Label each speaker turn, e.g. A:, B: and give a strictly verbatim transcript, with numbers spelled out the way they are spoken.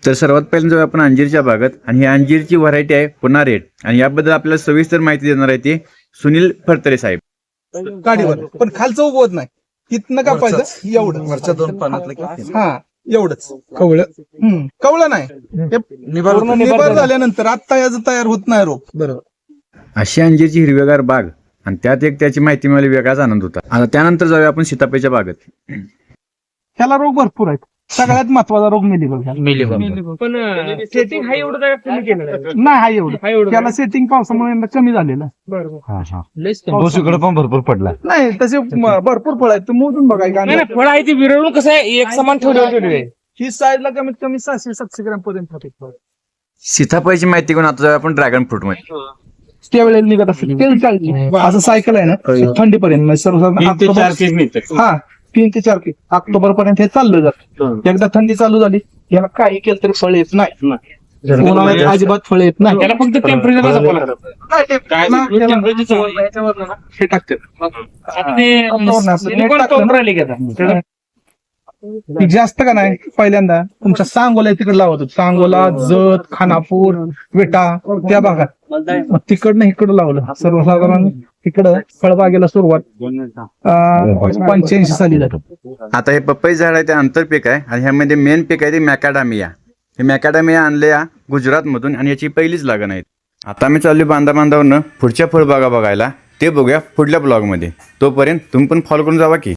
A: तर सर्वात पहिल्यांदा जाऊया आपण अंजीरच्या बागेत आणि ही अंजीरची व्हरायटी आहे पुन्हा रेड आणि याबद्दल आपल्याला सविस्तर माहिती देणार आहे ते सुनील फडतरे साहेब.
B: गाडीवर पण खालचं उगवत नाही, इथनं कापायचं एवढं
C: वरच्या दोन पानातलं
B: हा एवढंच कवळ हम्म कवळं नाही ते पूर्ण निबार झाल्यानंतर आता याचं तयार होत नाही रोप. बरोबर.
A: अशी अंजीरची हिरवेगार बाग आणि त्यात एक त्याची माहिती मिळाली, वेगळाच आनंद होता. आता त्यानंतर जाऊया आपण सीताफळच्या बागेत.
B: ह्याला रोग भरपूर आहेत. सगळ्यात महत्वाचा रोग मिलीबग.
D: पण सेटिंग हा एवढं काय कमी केलं नाही.
B: नाही हा एवढं त्याला सेटिंग पावसामुळे यंदा कमी झालेलं.
C: दोषीकडे पण भरपूर पडला.
B: नाही तसे म- भरपूर फळ आहेत, तुम्ही मोजून बघा.
D: नाही नाही, फळ आहे ती विरळून कसं आहे एक समान ठेवलं आहे.
B: ही साईजला कमीत कमी सहाशे सातशे ग्रॅम पर्यंत होते.
A: सीताफळची माहिती घेऊन आता जाऊया आपण ड्रॅगन फ्रूट मध्ये.
B: त्यावेळेला निघत असेल तेल चालते असं सायकल आहे ना थंडीपर्यंत म्हणजे सर्वसाधारण हा तीन ते चार पीस ऑक्टोबर पर्यंत हे चाललं जातं. एकदा थंडी चालू झाली याला काही केलं तरी फळ येत नाही. उन्हाळ्यात अजिबात फळ येत नाही.
D: त्याला फक्त टेम्परेचर
B: नाही, ते पुन्हा हे टाकते जास्त का नाही. पहिल्यांदा तुमच्या सांगोला तिकडे लावत होतो. सांगोला, जत, खानापूर, विटा त्या भागात. मग तिकडनं इकडं लावलं. सर्वसाधारण इकडं फळबागेला सुरुवात पंच्याऐंशी साली जातो.
A: आता हे पपई झाड आहे ते आंतरपीक आहे आणि ह्यामध्ये मेन पीक आहे ते मॅकाडामिया. हे मॅकाडामिया आणले या गुजरात मधून आणि याची पहिलीच लागण आहे. आता मी चाललो बांधा बांधावरनं पुढच्या फळबागा बघायला. ते बघूया पुढल्या ब्लॉग मध्ये. तोपर्यंत तुम्ही पण फॉलो करून जावा की.